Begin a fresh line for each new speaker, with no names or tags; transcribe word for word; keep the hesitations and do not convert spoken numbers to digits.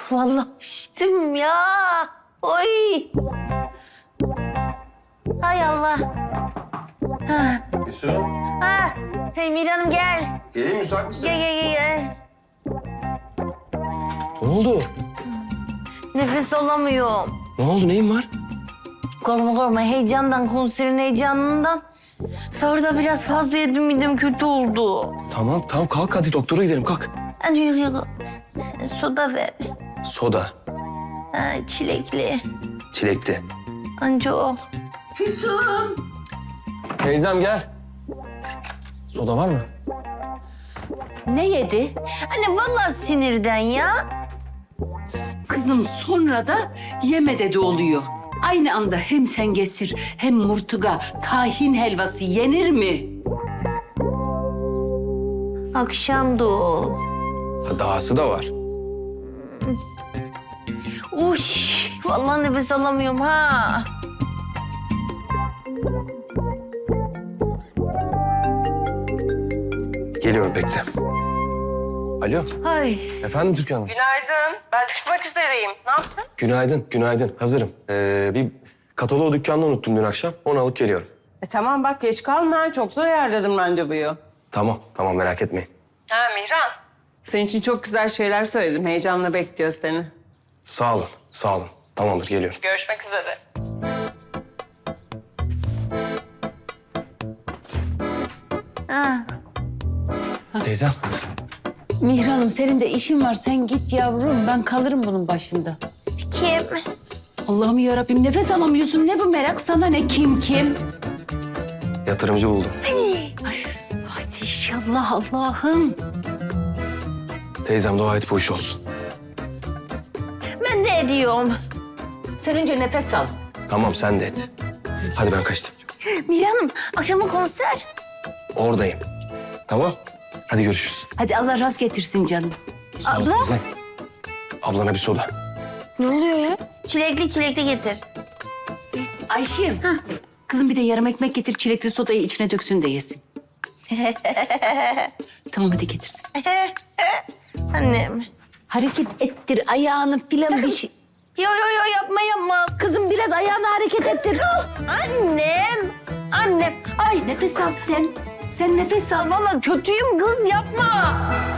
Vallahi içtim ya. Oy. Hay Allah. Ha.
Yusuf,
Ha. Hey Mira Hanım gel.
geleyim müsait misin?
Gel gel gel. gel.
Ne oldu?
Nefes alamıyorum.
Ne oldu? Neyin var?
Korkma korkma heyecandan, konserin heyecanından. Sahurda biraz fazla yedim, midem kötü oldu.
Tamam tamam kalk hadi doktora gidelim kalk.
Hadi yok yok. Soda ver.
Soda,
Ha, çilekli.
çilekli.
Anca o.
Teyzem gel. Soda var mı?
Ne yedi?
Anne vallahi sinirden ya.
Kızım sonra da yeme dedi oluyor. Aynı anda hem sengesir hem murtuga, tahin helvası yenir mi?
Akşamdı o.
Ha, dahası da var.
Uş, vallahi nefes alamıyorum ha.
Geliyorum bekle. Alo,
Ay.
efendim Türkan Hanım.
Günaydın. Ben çıkmak üzereyim. Ne yaptın?
Günaydın, günaydın. Hazırım. Ee, bir kataloğu dükkanda unuttum dün akşam. Onu alıp geliyorum.
E tamam bak geç kalma. Çok zor ayarladım randevuyu.
Tamam, tamam merak etmeyin.
Ha Mihran. Senin için çok güzel şeyler söyledim. Heyecanla bekliyor seni.
Sağ olun, sağ olun. Tamamdır, geliyorum.
Görüşmek üzere.
Ha.
Teyzem,
Mihran'ım senin de işin var. Sen git yavrum. Ben kalırım bunun başında.
Kim?
Allah'ım yarabbim nefes alamıyorsun. Ne bu merak? Sana ne? Kim kim?
yatırımcı buldum.
Hadi inşallah Allah'ım.
Teyzem dua et bu iş olsun.
Ben de ediyorum.
Sen önce nefes al.
Tamam, sen de et. Hadi ben kaçtım.
Mira Hanım, akşama konser.
Oradayım. Tamam, hadi görüşürüz.
Hadi Allah rast getirsin canım.
Sağ ol
Abla?
teyzem. Ablana bir soda.
Ne oluyor ya? Çilekli çilekli getir.
Ayşim. Kızım bir de yarım ekmek getir. Çilekli sodayı içine döksün de yesin. Tamam hadi getirsin.
Annem.
Hareket ettir ayağını filan bir şey.
Yo yo yo yapma yapma.
Kızım biraz ayağını hareket ettir.
Annem. Annem. Ay
Nefes al sen. Sen nefes al.
vallahi kötüyüm kız yapma.